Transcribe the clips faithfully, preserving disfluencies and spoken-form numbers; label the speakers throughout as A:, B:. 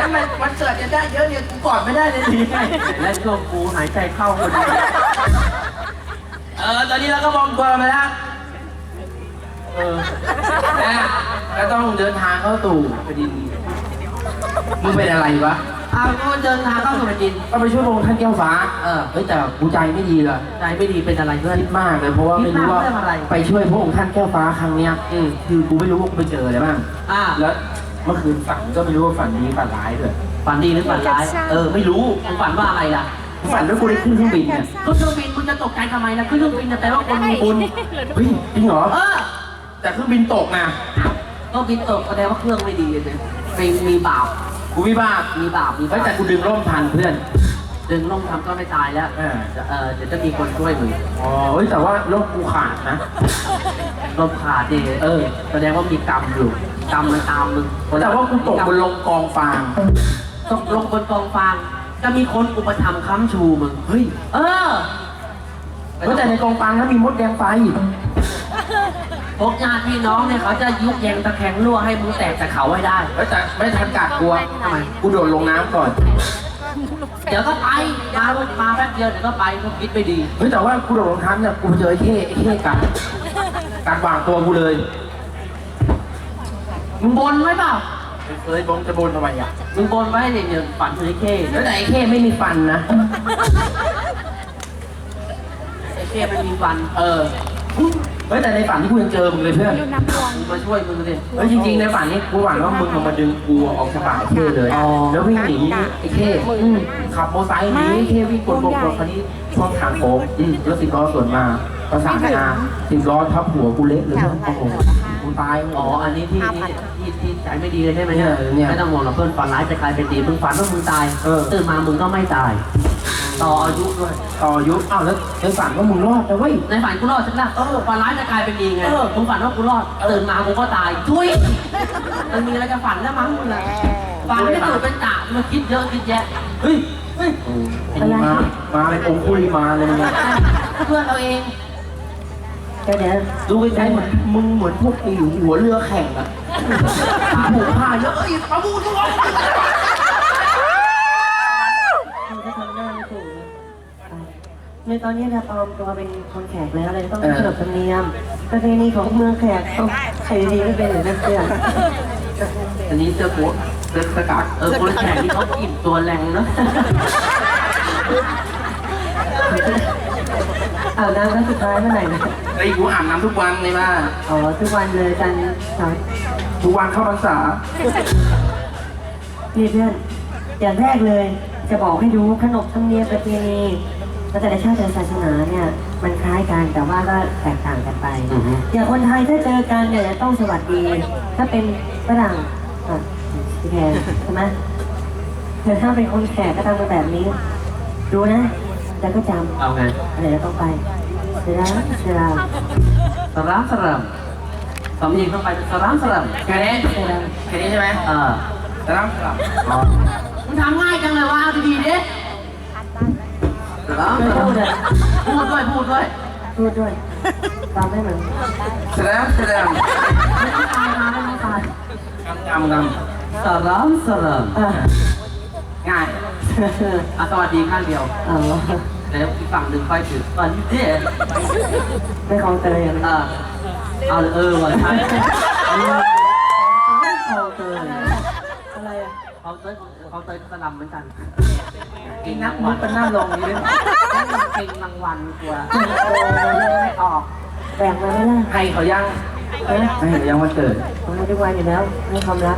A: ทำไมวันเกิดจะได้เยอะเนี่ยกูกอดไม่ได้เลยทีไงและช่วงกูหายใจเข้าคนเดียวเออตอนนี้เราก็มองตัวมาแล้วเออนะก็ต้องเดินทางเข้าตู่แผ่นดินมึงเป็นอะไรวะอ้าวก็เดินทางเข้าสู่แผ่นดินก็ไปช่วยพระองค์ท่านแก้วฟ้าเออเฮ้ยแต่กูใจไม่ดีเลยใจไม่ดีเป็นอะไรเพื่อนคิดมากเลยเพราะว่าไม่รู้ว่าไปช่วยพระองค์ท่านแก้วฟ้าครั้งเนี้ยอืมคือกูไม่รู้ว่ากูไปเจออะไรบ้างอ่าแล้วเมื่อคืนฝันก็ไม่รู้ว่าฝันดีฝันร้ายด้วยฝันดีหรือฝันร้ายเออไม่รู้มึงฝันว่าอะไรล่ะฝันว่ากูได้ขึ้นเครื่องบินเนี่ยขึ้นเครื่องบินมึงจะตกใจทำไมล่ะขึ้นเครื่องบินจะแปลว่าคนมีบุญเฮ้ยจริงเหรอเออแต่เครื่องบินตกนะเครื่องบินตกแสดงว่าเครื่องไม่ดีเลยมีมีบาปกูมีบาปมีบาปมีบาปแต่กูดึงร่มทันเพื่อนดึงร่มทำก็ไม่ตายแล้วเออเออเดี๋ยวจะมีคนช่วยมึงอ๋อเฮ้ยแต่ว่าร่มกูขาดนะร่มขาดดิเออแสดงว่ามีกรรมอยู่กรรมมันตามมึงแต่ว่ากูตกบนลงกองฟางตกลงบนกองฟางจะมีคนอุปถัมภ์ค้ำชูมึงเฮ้ยเออแต่ในกองฟางนั้นมีมดแดงไฟพวกญาติพี่น้องเนี่ยเขาจะยุบแยงตะแคงรั่วให้มึงแตกจากเขาให้ได้แต่ไม่ทันกัดกลัวทำไมกูโดดลงน้ำก่อนเดี๋ยวก็ไปมามาแป๊บเดียวเดี๋ยวก็ไปก็คิดไม่ดีเฮ้ยแต่ว่ากูโดดลงน้ำเนี่ยกูเจอไอ้เท่ไอ้เท่กัดกัดวางตัวกูเลยมึงบนไว้เปล่าเคยบนจะบนทำไมอ่ะมึงบนไว้เนี่ยเนี่ยฝันถึงไอ้เท่แล้วแต่ไอ้เท่ไม่มีฟันนะไอ้เท่ไม่มีฟันเออเฮ้ยแต่ในฝันที่กูยังเจอมึงเลยเพื่อนมึงมาช่วยมึงสิเฮ้ยจริงๆในฝันนี้กูหวังว่ามึงมาดึงกูออกจากป่าไอ้เท่เลยแล้ววิ่งหนีไอ้เท่ขับมอเตอร์ไซค์หนีไอ้เท่วิ่งกดบกรถคันนี้ช่องทางโค้งแล้วสิบล้อสวนมาประสานงาสิบล้อทับหัวกูเละเลยโอ้โหกูตายอ๋ออันนี้ที่ที่ที่ใจไม่ดีเลยใช่ไหมเนี่ยไม่ต้องห่วงหรอกเพื่อนฝันร้ายจะกลายเป็นดีมึงฝันว่ามึงตายตื่นมามึงก็ไม่ตายต่ออายุด้วยต่ออายุอ้าวแล้วในฝันว่ามึงรอดนะเว้ยในฝันกูรอดใช่ไหมเออฝันร้ายจะกลายเป็นดีไงมึงฝันว่ากูรอดตื่นมากูก็ตายทุยมันมีอะไรจะฝันแล้วมั้งมึงอะฝันไม่ตื่นเป็นตามันคิดเยอะคิดแยะเฮ้ยเฮ้ยอะไรมาเป็นองคุยมาเลยมึงเพื่อนเราเองแค่นี้ดูไปใจเหมือนมึงเหมือนพวกไอ้หัวเรือแข่งอะผูกผ้าเยอะเอ้ยปะบูทุกคน
B: ในตอนนี้เราปลอมตัวเป็นคนแขกแล้วเลยต้องขนบธรรมเนียมประเพณีของเมืองแขกต้องใส่ดีไม่เป็นหรือไม่เชื่อ
A: อันนี้เสื้อโค้ทเสื้อสกัดเออคนแขกที่เขากินตัวแรงเนาะ
B: อาบน้ำครั้งสุดท้ายเมื่อไหร่นะ
A: ไอ้กูอาบน้ำทุกวันเลยบ้า
B: อ๋อทุกวันเลยจันทร์
A: ทุกวันเข้าพรรษา
B: พี่เพื่อนอย่างแรกเลยจะบอกให้ดูขนบธรรมเนียมประเพณีแต่ละชาติแต่ละศาสนาเนี่ยมันคล้ายกันแต่ว่าก็แตกต่างกันไปอย่างคนไทยถ้าเจอกันเนี่ยจะต้องสวัสดีถ้าเป็นฝรั่งอ่ะพี่แทนใช่ไหมแต่ถ้าเป็นคนแขกก็ทำกันแบบนี้ดูนะแล้วก็จำ
A: เอาไง
B: อะไรแล้วต้องไปเสร็จแล้วเสร็จแล้ว
A: สรามสรามสำเนียงต้องไปสรามสรามแค่นี้แค่นี้ใช่ไหมเออสรามสรามมึงทำง่ายจังเลยว่าดีๆดิพูดด้วยพูดด้วย
B: พูดด้วยตามได้เหมือน
A: แสดงแสดงไม่ต้องตายมาไม่ต้องตายกำกำกำสรามสรามง่ายอ่ะสวัสดีข้างเดียว
B: อ๋อ
A: แล้วอีกฝั่งหนึ่งค่อยถือตอนนี้เจ๊
B: ไม่คลองเตยอ่ะ
A: เออเอาเออวันท้าย
B: ไม่คลองเตยอะไรอ่ะ
A: คลองเตยคลองเตยสลัมเหมือนกันกินนักมันเป็นหน้าลงนี่แล้วมันเป็นรางวัลกว่าไม่ออก
B: แบ่งมาไม่ได้
A: ให้เขายังให้เขายังวันเกิด
B: ผมให้ทุกวันอยู่แล้วให้ความรัก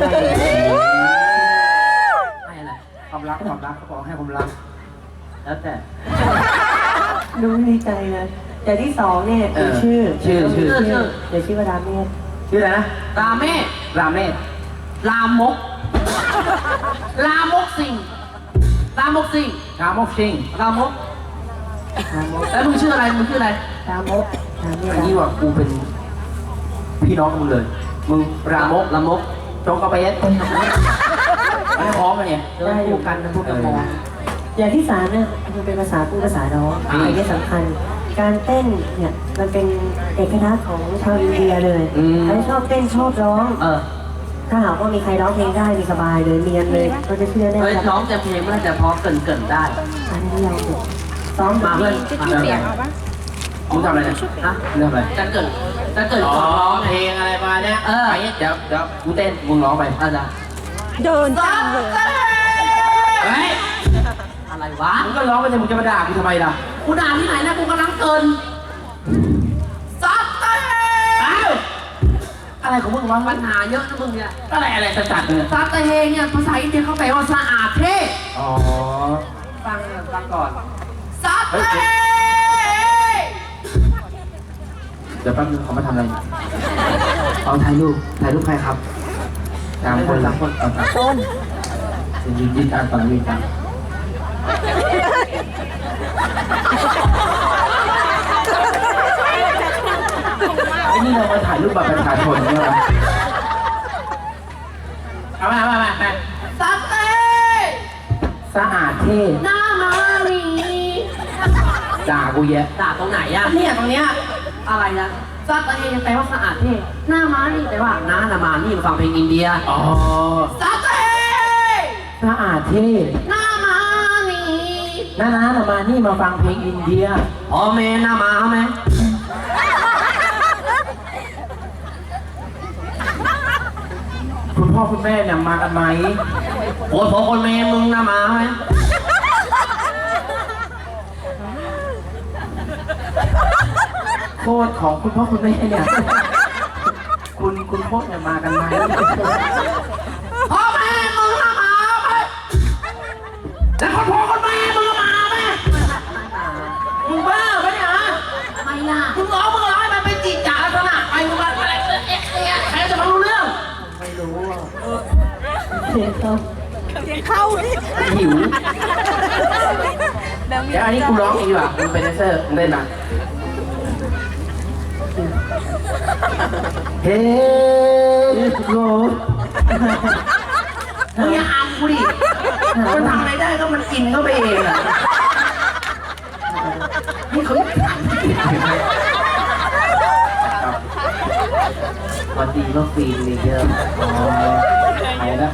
A: ให้อะไรความรักความรักเขาบอกให้ความรักแล้วแต่
B: ดูดีใจเลยแต่ที่สองเนี่ยเป็นชื่อ
A: ชื่อชื่อ
B: ชื่อเดี๋ยวชื่อว่าราเมศ
A: ชื่ออะไรนะราเมศราเมศรามกรามกสิงรามกสิงรามกสิงรามกแล้วมึงชื่ออะไรมึงชื่ออะไร
B: รามก
A: อันนี้ว่ากูเป็นพี่น้องมึงเลยมึงรามกรามกโจงกระเบสไม่พร้อมกันเนี่ย
B: ได้อยู่กันนะพวกกระมองอย่างที่สามเนี่ยมันเป็นภาษาพูดภาษาร้องอันนี้สำคัญการเต้นเนี่ยมันเป็นเอกลักษณ์ของชาวอินเดียเลยใครชอบเต้นชอบร้อง
A: เออ
B: ถ้าหากว่ามีใครร้องเพลงได้มีสบายเลยเรียนเลยก็จะเชื่อแน่
A: เฮ้ย
B: ครับ
A: ร้องแต่เพลงมันจะพอเกินเกินๆได้
B: อันนี้เราซ้อม
A: มาเพื่อนมาเพื่อนมึงทำอะไรเนี่ยฮะเรื่องอะไรจะเกิดจะเกิดก่อนร้องเพลงอะไรมาเนี่ยเออเดี๋ยวเดี๋ยวกูเต้นมึงร้องไปอาจารย์
C: เดินจังเลย
A: เฮ้ยอะไรวะมึงก็ร้องไปเลยมึงจะมาด่ากูทำไมล่ะกูด่าที่ไหนนะกูกำลังเกินซัดเต้อ้าวอะไรของมึงวะปัญหาเยอะนะมึงเนี่ยอะไรอะไรจะจัดเนี่ยซัดเต้เนี่ยภาษาอินเดียเขาแปลว่าสะอาดเท่อ๋อฟังฟังก่อนซัดเต้เดี๋ยวแป๊บนึงเขามาทำอะไรเอาถ่ายรูปถ่ายรูปใครครับสามคนสามคนเอาสามคนยืนยืนตามฝั่งยืนตามไอ้นี่เรามาถ่ายรูปบัตรประชาชนใช่ไหมเอามาเอามาเอามาซัดเต้สะอาดเท่หน้ามาลีด่ากูแย่ด่าตรงไหนอะเนี่ยตรงเนี้ยอะไรนะซัดเต้ยังแปลว่าสะอาดเท่หน้ามานี่แปลว่าหน้านามานี่ฟังเพลงอินเดียอ๋อซัดเต้สะอาดเท่หน้ามานี่หน้านานามานี่มาฟังเพลงอินเดียอ๋อแม่หน้ามาไหมคุณพ่อคุณแม่เนี่ยมากันไหมโอ้ยพ่อคนแม่มึงนะมาไหมโคตรของคุณพ่อคุณแม่เนี่ยคุณคุณพ่อเนี่ยมากันไหมพ่อแม่มึงนะมาไหมแล้วคนพ่อคนแม่มึงมาไหมมึงบ้าปะเนี่ยไม่ล่ะมึงร้องมึงร้องให้มันเป็นจีจ๋าลักษณะไปมึงมาอะไรเอ๊ะเอ๊ะใครจะมารู้เรื่องไม่รู้อ่ะ
B: เสียงเขา
C: เสียงเข้าดิ
A: หิวเดี๋ยวอันนี้กูร้องเองดีกว่ามึงเป็นแดนเซอร์มึงเล่นมาเฮ้ยโกมึงอย่าอำกูดิมันทำอะไรได้ก็มันกินเข้าไปเองอะนี่เขาวันดีก็ฟีนเลยเยอะอ๋อไหนนะ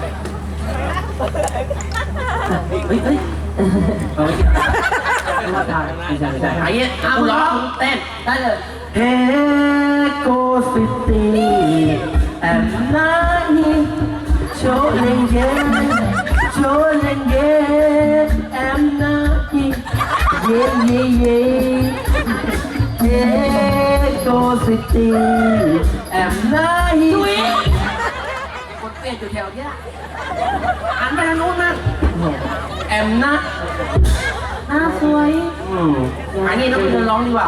A: เฮ้ยเฮ้ยเอาไม่กินไม่ว่าทานไม่ใช่ไม่ใช่ไอ้เนี้ยเอาร้องเต้นได้เลยเฮโกสิตีแอมนาฮีโชเลงเกโชเลงเกแอมนาฮีเย่เย่เย่เฮโกสิตีแอมนาฮีคนเปลี่ยนอยู่แถวเนี้ยหันไปทางนู้นนะแอมนะหน้าสวยอืมอันนี้ต้องเดินร้องดีกว่า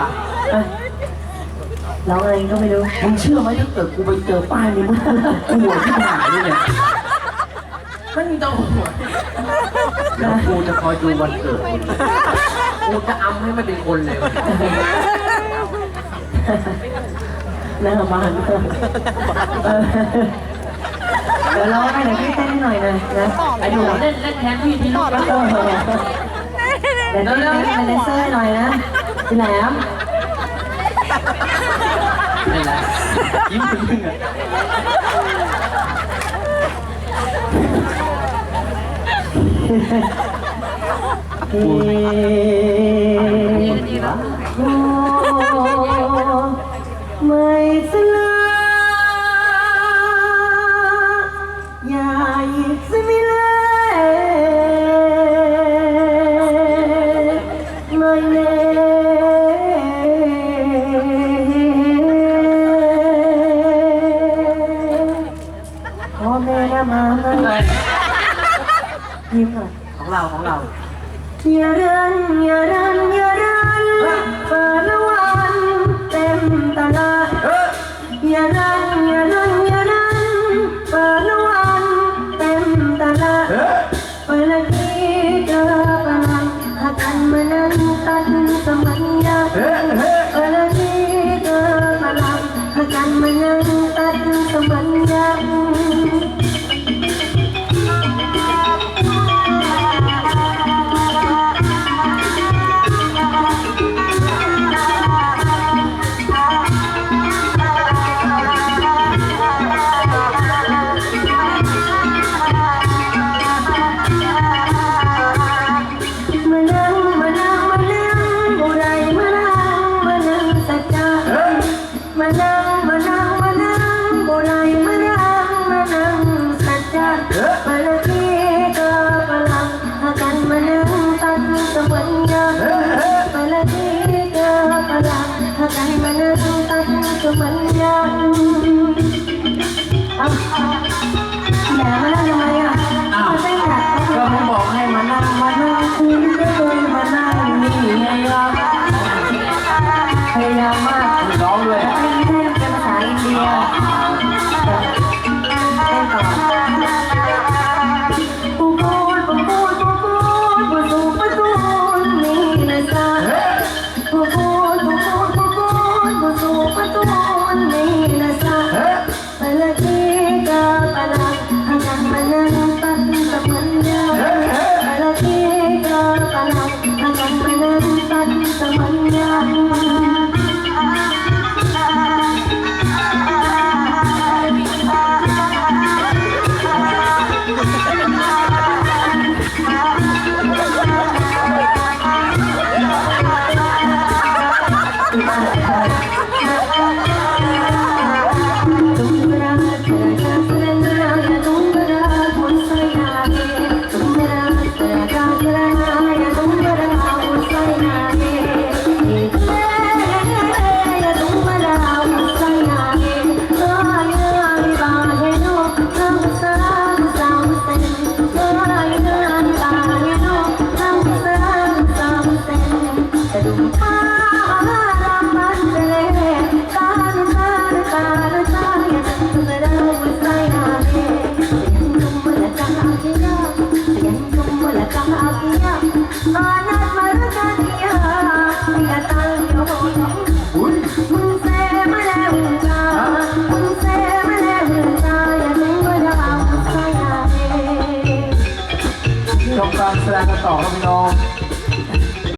B: ร้องอะไรก็ไม่รู้
A: มึงเชื่อไหมถ้าเกิดกูไปเจอป้ายนี้มึงกูหัวที่หายเลยเนี่ยไม่มีต้องหัวแล้วกูจะคอยดูวันเกิดกูจะอำให้มันเป็นคนเลย
B: หน้าบ้านเดี๋ยวร้องให้หน่อยพี่เต้นให้หน่อยนะนะ
A: ไอ้หนูเล่นเล่นแทนพี่ที่ลูกแล้วเ
B: ดี๋ยวเดี๋ยวเต้นเป็นเลเซอร์ให้หน่อยนะพี่แหลม
A: ไม่ละยิ้มถึงถึงอ่ะ
B: เฮ้โอ้ไม่สลาอย่ายิบสมิเลไม่เล่พ่อแม่นะมายิ้มหน่อย
A: ของเราของเรา
B: อย่าเดินอย่าเดินอย่าเดินเปิดละวันเต็มตลาดอย่าเดินอย่าเดินอย่าเดินเปิดละวันเต็มตลาดเปิดละทีเจอปะหากันมานั้นตัดสมัญญาเปิดละทีเจอปะหากันมานั้นตัดสมัญญามาละที่ก็กำลังหากันมานั่งตันสวรรค์ยังมาละที่ก็กำลังหากันมานั่งตันสวรรค์ยังเอาแหมมานั่งทำไมอ่ะ
A: อ้าวก็มึงบอกให้มานั่งมานั่งคุยก็เลยมานั่งนี่ไงล่ะพยายามมากร้องเลย
B: ไม่ได้เป็นภาษาอินเดียเต้นต่อปูปูปูปูปูปูปูปูปูนี่นะจ๊ะปูปูปูปูปูปูปูปูปูนี่นะจ๊ะไปละที่ก็ไปละหากันมานั่งตัดตะมันยาไปละที่ก็ไปละหากันมานั่งตัดตะมันยา
A: ชมการแสดงกันต่อครับพี่น้อง